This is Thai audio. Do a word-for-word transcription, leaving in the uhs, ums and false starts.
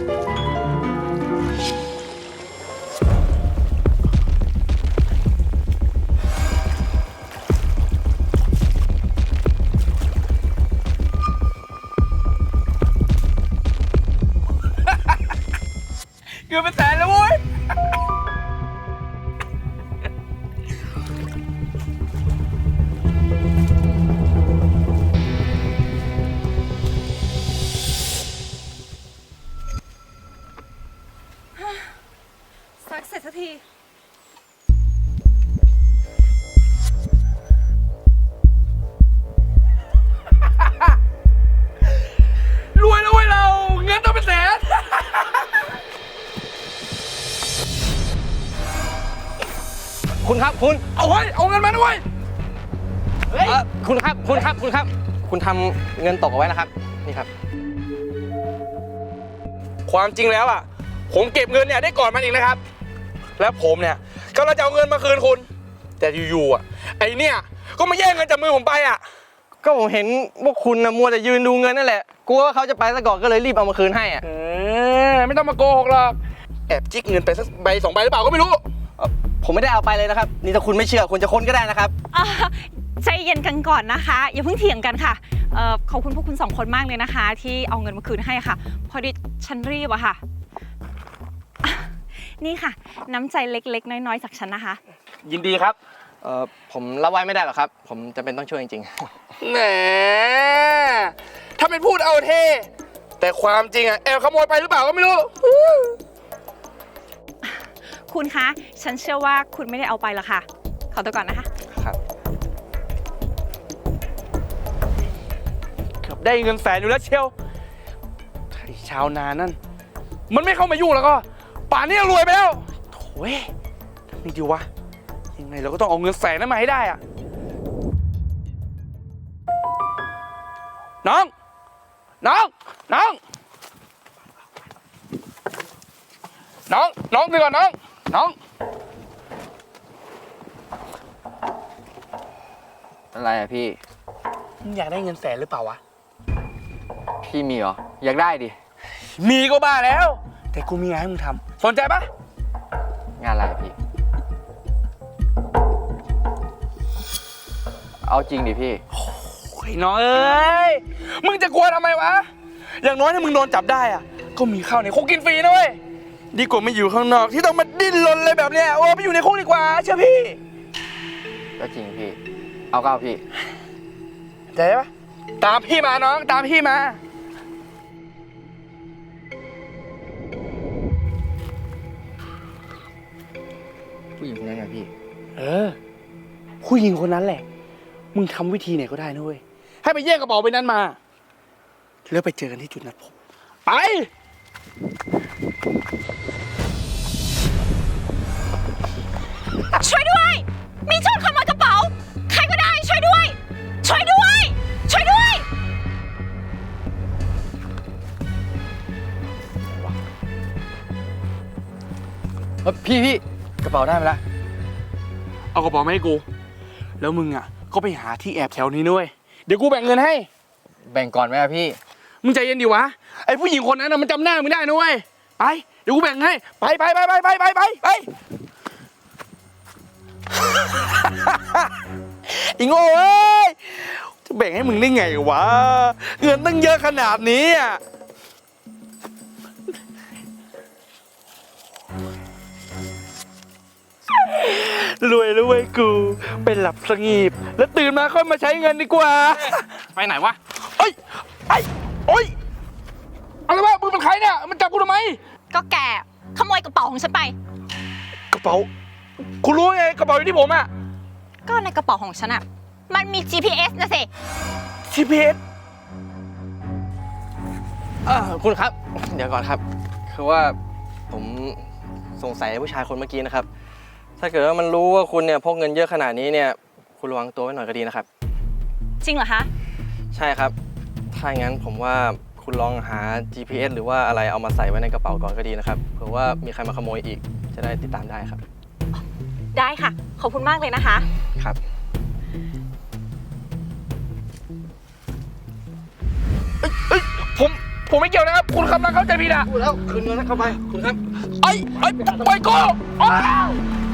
เกือบเป็นแสนแล้วเว้ยซักเสร็จสักทีรวยแล้วเว้ยเราเงินต้องเป็นแสนคุณครับคุณเอาไว้เอาเงินมาด้วยเฮ้ยคุณครับคุณครับคุณครับคุณทำเงินตกเอาไว้นะครับนี่ครับความจริงแล้วอ่ะผมเก็บเงินเนี่ยได้ก่อนมันอีกนะครับแล้วผมเนี่ยก็จะเอาเงินมาคืนคุณแต่อยู่ๆอ่ะไอเนี่ยก็มาแย่งเงินจากมือผมไปอ่ะก็ผมเห็นพวกคุณนะมัวแต่ยืนดูเงินนั่นแหละกลัวว่าเขาจะไปซะก่อนก็เลยรีบเอามาคืนให้อ่ะเออไม่ต้องมาโกหกหรอกแอบจิกเงินไปสักใบสองใบหรือเปล่าก็ไม่รู้ผมไม่ได้เอาไปเลยนะครับนี่ถ้าคุณไม่เชื่อคุณจะค้นก็ได้นะครับใจเย็นกันก่อนนะคะอย่าเพิ่งเถียงกันค่ะขอบคุณพวกคุณสองคนมากเลยนะคะที่เอาเงินมาคืนให้ค่ะพอดีฉันรีบอะค่ะนี่ค่ะน้ำใจเล็กๆน้อยๆจากฉันนะคะยินดีครับเออผมรับไว้ไม่ได้หรอกครับผมจำเป็นต้องช่วยจริงๆแหมถ้าเป็นพูดเอาเท่แต่ความจริงอะแอบขโมยไปหรือเปล่าก็ไม่รู้คุณคะฉันเชื่อว่าคุณไม่ได้เอาไปหรอกค่ะขอตัวก่อนนะคะครับเกือบได้เงินแสนอยู่แล้วเชียวไอ้ชาวนานั่นมันไม่เข้ามายุ่งแล้วก็ป่านนี้รวยไปแล้วโถ่ทำไงดีวะยังไงเราก็ต้องเอาเงินแสนนั้นมาให้ได้อะน้องน้องน้องน้องน้องดูก่อนน้องน้องอะไรอะพี่มึงอยากได้เงินแสนหรือเปล่าวะพี่มีเหรออยากได้ดิมีก็บ้าแล้วแต่กูมีงานให้มึงทำสนใจปะงานอะไรพี่เอาจริงดิพี่โอ้ยน้องเอ้ยมึงจะกลัวทำไมวะอย่างน้อยถ้ามึงโดนจับได้อะก็มีข้าวในคุกกินฟรีนะเว้ยดีกว่ามาอยู่ข้างนอกที่ต้องมาดิ้นรนเลยแบบเนี้ยโอ้ไปอยู่ในคุกดีกว่าเชื่อพี่ก็จริงพี่เอาก็เอาพี่ใจปะตามพี่มาน้องตามพี่มาผู้หญิงคนนั้นไงพี่เออผู้หญิงคนนั้นแหละมึงทำวิธีไหนก็ได้นะเว้ยให้ไปแย่งกระเป๋าไปนั้นมาแล้วไปเจอกันที่จุดนัดพบไปช่วยด้วยมีโจรขโมยกระเป๋าใครก็ได้ช่วยด้วยช่วยด้วยช่วยด้วยพี่พี่กระเป๋าได้ไหมล่ะเอากระเป๋ามาให้กูแล้วมึงอ่ะก็ไปหาที่แอบแถวนี้ด้วยเดี๋ยวกูแบ่งเงินให้แบ่งก่อนไหมอะพี่มึงใจเย็นดิวะไอ้ผู้หญิงคนนั้นน่ะมันจำหน้ามึงได้นะเว้ยไปเดี๋ยวกูแบ่งให้ไปไปไปไปไปไปไปไปอีโง่เอ้ยจะแบ่งให้มึงได้ไงวะเงินตั้งเยอะขนาดนี้อ่ะรวยแล้วเว้ยกูเป็นหลับสงีบแล้วตื่นมาค่อยมาใช้เงินดีกว่าไปไหนวะเอ้ยไอ้โอ้ยอะไรวะมึงเป็นใครเนี่ยมันจับกูทำไมก็แกขโมยกระเป๋าของฉันไปกระเป๋าคุณรู้ไงกระเป๋าอยู่ที่ผมอ่ะก็ในกระเป๋าของฉันอ่ะมันมี จี พี เอส นะสิจี พี เอสเออคุณครับเดี๋ยวก่อนครับคือว่าผมสงสัยผู้ชายคนเมื่อกี้นะครับถ้าเกิดว่ามันรู้ว่าคุณเนี่ยพกเงินเยอะขนาดนี้เนี่ยคุณระวังตัวไว้หน่อยก็ดีนะครับจริงเหรอคะใช่ครับถ้าอย่างนั้นผมว่าคุณลองหา จี พี เอส หรือว่าอะไรเอามาใส่ไว้ในกระเป๋าก่อนก็ดีนะครับเผื่อว่ามีใครมาขโมยอีกจะได้ติดตามได้ครับได้ค่ะขอบคุณมากเลยนะคะครับเอ้ยผมผมไม่เกี่ยวนะครับ คุณกำลังเข้าใจผิดอ่ะพูดแล้วคืนเงินเข้าไปคุณครับไอ้ไอ้ไปกูอ้าว